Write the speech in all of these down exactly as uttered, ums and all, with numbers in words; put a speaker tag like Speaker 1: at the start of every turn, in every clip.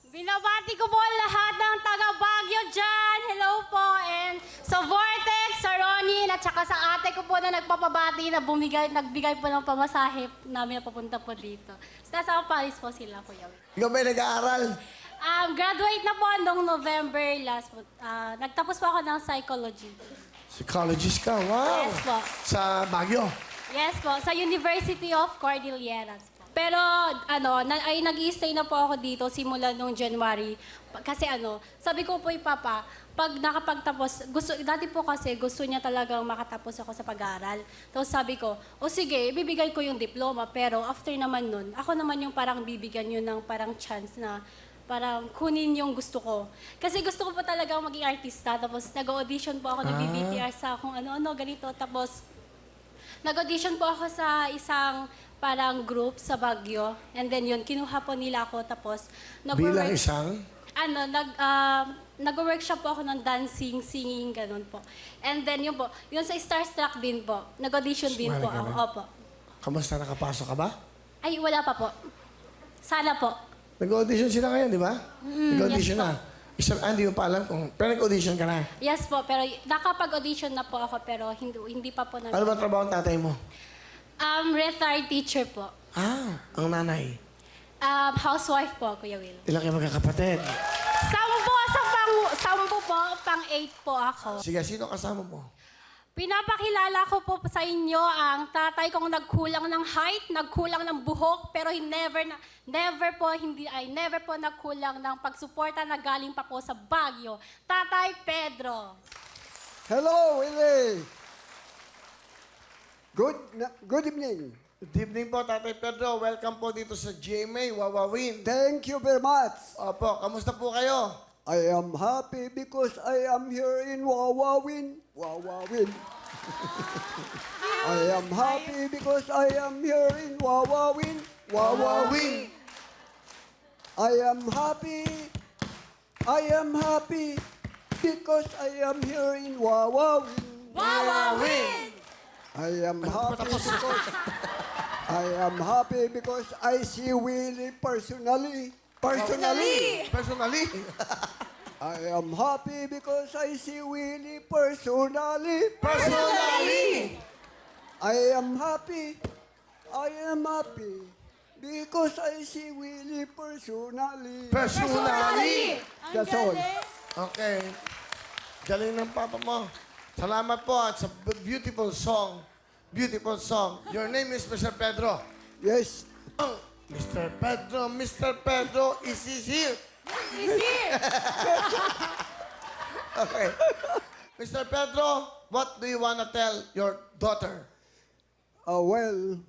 Speaker 1: Binabati ko po lahat ng taga Baguio dyan. Hello po. And sa Vortex, sa Ronin, at saka sa ate ko po na nagpapabati na bumigay, nagbigay po ng pamasahe namin na papunta po dito. So, nasa Paris po sila, Kuya Will.
Speaker 2: Ikaw ba'y nag-aaral?
Speaker 1: Um, graduate na po noong November last po. Ah, nagtapos po ako ng psychology.
Speaker 2: Psychologist ka, wow.
Speaker 1: Yes po.
Speaker 2: Sa Baguio.
Speaker 1: Yes po, sa University of Cordilleras po. Pero ano, na, ay nag-i-stay na po ako dito simula nung January. Pa- Kasi ano, sabi ko po, Papa, pag nakapagtapos, gusto, dati po kasi gusto niya talagang makatapos ako sa pag-aaral. Tapos sabi ko, o sige, ibibigay ko yung diploma. Pero after naman nun, ako naman yung parang bibigyan yun ng parang chance na parang kunin yung gusto ko. Kasi gusto ko po talagang maging artista. Tapos nag-audition po ako ng B B T R sa kung ano-ano, ganito. Tapos nag-audition po ako sa isang parang group sa Baguio. And then yun, kinuha po nila ako. Tapos
Speaker 2: Bilang
Speaker 1: nag-work,
Speaker 2: isang?
Speaker 1: ano, nag, ah, nag-workshop po ako ng dancing, singing, ganun po. And then yun po, yun sa Starstruck din po. Nag-audition din
Speaker 2: Sumali
Speaker 1: po
Speaker 2: ka
Speaker 1: ako.
Speaker 2: rin?
Speaker 1: Opo.
Speaker 2: Kamusta nakapasok ka ba?
Speaker 1: Ay, wala pa po. Sana po.
Speaker 2: Nag-audition sila ngayon, di ba? Nag-audition
Speaker 1: yes
Speaker 2: na. Isang, ah, hindi mo pa alam kung... Pero nag-audition ka na.
Speaker 1: Yes po, pero nakapag-audition na po ako, pero hindi, hindi pa po na...
Speaker 2: Ano ba trabaho ng tatay mo?
Speaker 1: Um, retired teacher po.
Speaker 2: Ah, ang nanay.
Speaker 1: Um, housewife po, Kuya Will.
Speaker 2: Ilang kayo magkakapatid?
Speaker 1: Sampo sa pang... Sampo po, pang eight po ako.
Speaker 2: Sige, sino kasama mo?
Speaker 1: Pinapakilala ko po sa inyo ang tatay kong nagkulang ng height, nagkulang ng buhok, pero he never na, never po hindi ay never po nagkulang ng pagsuporta na galing pa po sa Baguio. Tatay Pedro.
Speaker 3: Hello, Willie. Good, na- good evening.
Speaker 2: Good evening po, Tatay Pedro. Welcome po dito sa G M A, Wawawin.
Speaker 3: Thank you very much.
Speaker 2: Opo, kamusta po kayo?
Speaker 3: I am happy because I am here in Wawawin. Wawawin. I am happy because I am here in Wawawin. Wawawin. I am happy. I am happy because I am here in Wawawin.
Speaker 2: Wawawin!
Speaker 3: I am happy because I am happy because I see Willie personally. Personally.
Speaker 2: Personally?
Speaker 3: I am happy because I see Willie personally.
Speaker 2: Personally!
Speaker 3: I am happy. I am happy because I see Willie personally.
Speaker 2: Personally!
Speaker 3: That's all.
Speaker 2: Okay. Galing ng papa mo. Salamat po at sa b- beautiful song. Beautiful song. Your name is Mister Pedro.
Speaker 3: Yes.
Speaker 2: Oh, Mister Pedro, Mister Pedro, is he here?
Speaker 1: Is here.
Speaker 2: Okay. Mister Pedro, what do you want to tell your daughter?
Speaker 3: Uh, well,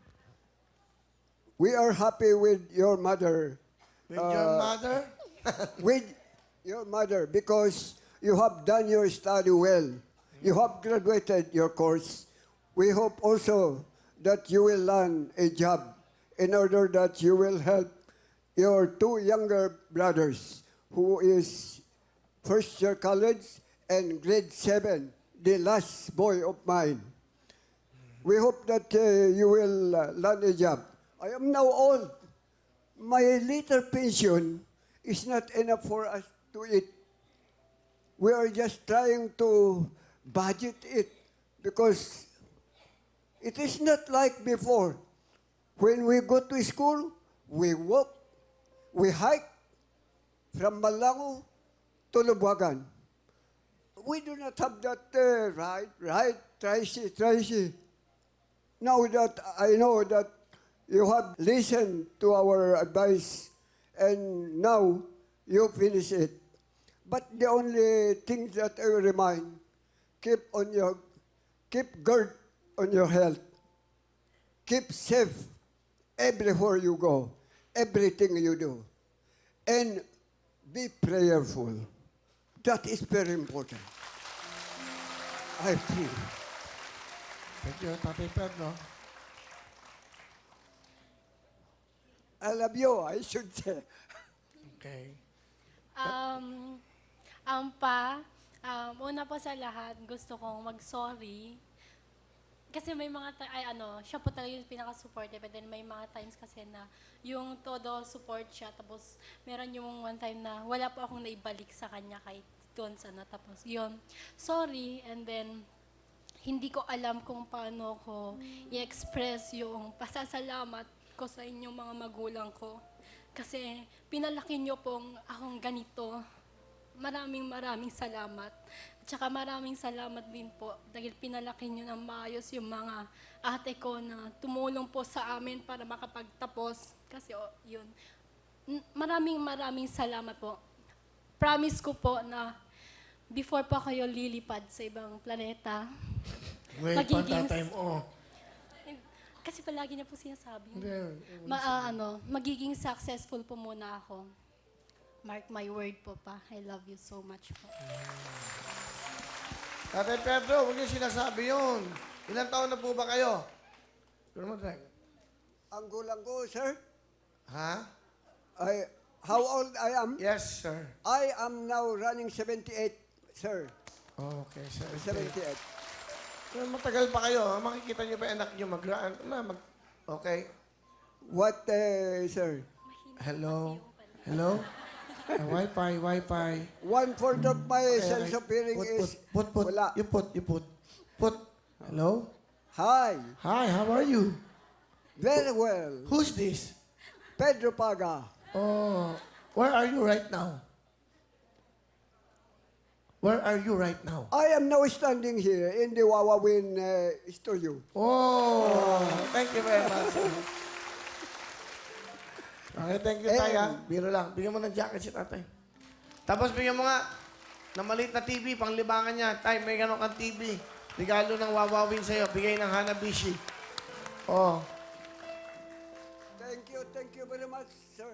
Speaker 3: we are happy with your mother.
Speaker 2: With your
Speaker 3: Uh,
Speaker 2: mother?
Speaker 3: with your mother because you have done your study well. You have graduated your course. We hope also that you will land a job in order that you will help your two younger brothers who is first year college and grade seven, the last boy of mine. We hope that uh, you will uh, land a job. I am now old. My little pension is not enough for us to eat. We are just trying to budget it because it is not like before. When we go to school, we walk, we hike from Malango to Lubuagan. We do not have that uh, right, right, Tracy, Tracy. Now that I know that you have listened to our advice and now you finish it. But the only thing that I will remind, keep on your, keep guard on your health. Keep safe everywhere you go, everything you do. And be prayerful. That is very important. I feel.
Speaker 2: Thank you, Tatay Pedro.
Speaker 3: I love you, I should say.
Speaker 2: Okay.
Speaker 1: Um, um pa, um, una po sa lahat, gusto kong mag-sorry Kasi may mga, ti- ay ano, siya po talaga yung pinaka-supportive. But then may mga times kasi na yung todo support siya. Tapos meron yung one time na wala po akong naibalik sa kanya kahit doon sa ano. Tapos yun, sorry. And then, hindi ko alam kung paano ko i-express yung pasasalamat ko sa inyong mga magulang ko. Kasi pinalaki niyo pong akong ganito. Maraming maraming salamat. At saka maraming salamat din po dahil pinalaki niyo ng maayos yung mga ate ko na tumulong po sa amin para makapagtapos. Kasi oh, yun. N- Maraming maraming salamat po. Promise ko po na before pa kayo lilipad sa ibang planeta,
Speaker 2: Wait,
Speaker 1: Magiging-
Speaker 2: panta time. Oh.
Speaker 1: kasi palagi niya po sinasabi,
Speaker 2: Hindi.
Speaker 1: ma, ah, ano, magiging successful po muna ako. Mark my word po pa. I love you so much po.
Speaker 2: Tatay Pedro, huwag niyo sinasabi yun. Ilang taon na po ba kayo? Pero mo, Drek.
Speaker 3: Ang gulang ko, sir,
Speaker 2: Ha?
Speaker 3: I, how old I am?
Speaker 2: Yes, sir.
Speaker 3: I am now running seventy-eight, sir.
Speaker 2: Okay, sir.
Speaker 3: seventy-eight.
Speaker 2: Pero matagal pa kayo. Makikita niyo ba yung anak niyo mag na, mag Okay.
Speaker 3: What, uh, sir?
Speaker 2: Hello? Hello? Uh, Wi-Fi, Wi-Fi.
Speaker 3: One-fourth of my
Speaker 2: Okay,
Speaker 3: sense
Speaker 2: okay.
Speaker 3: of hearing
Speaker 2: put,
Speaker 3: is
Speaker 2: Put, put, put.
Speaker 3: wala.
Speaker 2: You put, you put. Put. Hello?
Speaker 3: Hi,
Speaker 2: Hi, how are you?
Speaker 3: very well.
Speaker 2: Who's this?
Speaker 3: Pedro Paga.
Speaker 2: Oh, where are you right now? Where are you right now?
Speaker 3: I am now standing here in the Wawawin uh, studio.
Speaker 2: Oh, thank you very much. Okay, thank you,
Speaker 3: Eh,
Speaker 2: Tay, ha? Biro lang. Bigyan mo ng jacket si tatay. Tapos bigyan mo nga ng maliit na T V, panglibangan niya. Tay, may gano'n kang T V. Regalo ng Wawawin sa'yo. Bigay ng Hanabishi. Oh.
Speaker 3: Thank you, thank you very much, sir.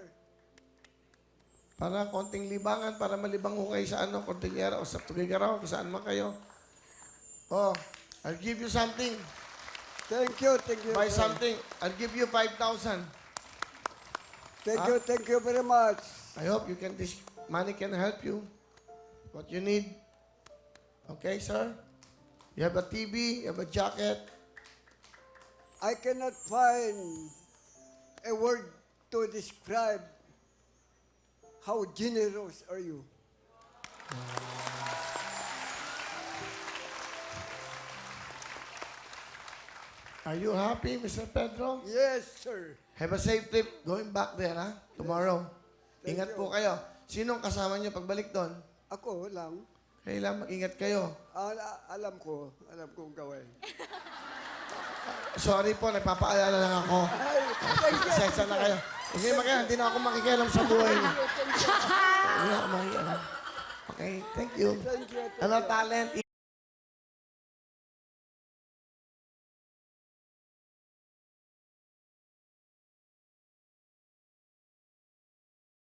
Speaker 2: Para konting libangan, para malibang ko kayo sa ano, Cordillera o sa Tugigaraw, kung saan man kayo. Oh, I'll give you something.
Speaker 3: Thank you, thank you.
Speaker 2: Buy
Speaker 3: sir.
Speaker 2: something. I'll give you five thousand.
Speaker 3: Thank
Speaker 2: Huh?
Speaker 3: you, thank you very much.
Speaker 2: I hope you can, this money can help you. What you need. Okay, sir? You have a T V, you have a jacket.
Speaker 3: I cannot find a word to describe how generous are you.
Speaker 2: Are you happy, Mister Pedro?
Speaker 3: Yes, sir.
Speaker 2: Have a safe trip going back there, ha? Tomorrow.
Speaker 3: Thank
Speaker 2: Ingat
Speaker 3: you.
Speaker 2: po kayo. Sinong kasama niyo pagbalik doon?
Speaker 3: Ako lang.
Speaker 2: Kailangan mag-ingat kayo.
Speaker 3: Al- alam ko, alam kong gawin.
Speaker 2: Sorry po, nagpapaalala lang ako.
Speaker 3: Ay, thank you.
Speaker 2: Sesa na kayo. Hindi magkaya, hindi na ako makikialam sa buhay niyo. Hindi na ako makikialam. Okay, thank you.
Speaker 3: Thank you. Thank
Speaker 2: Ano
Speaker 3: you.
Speaker 2: talent?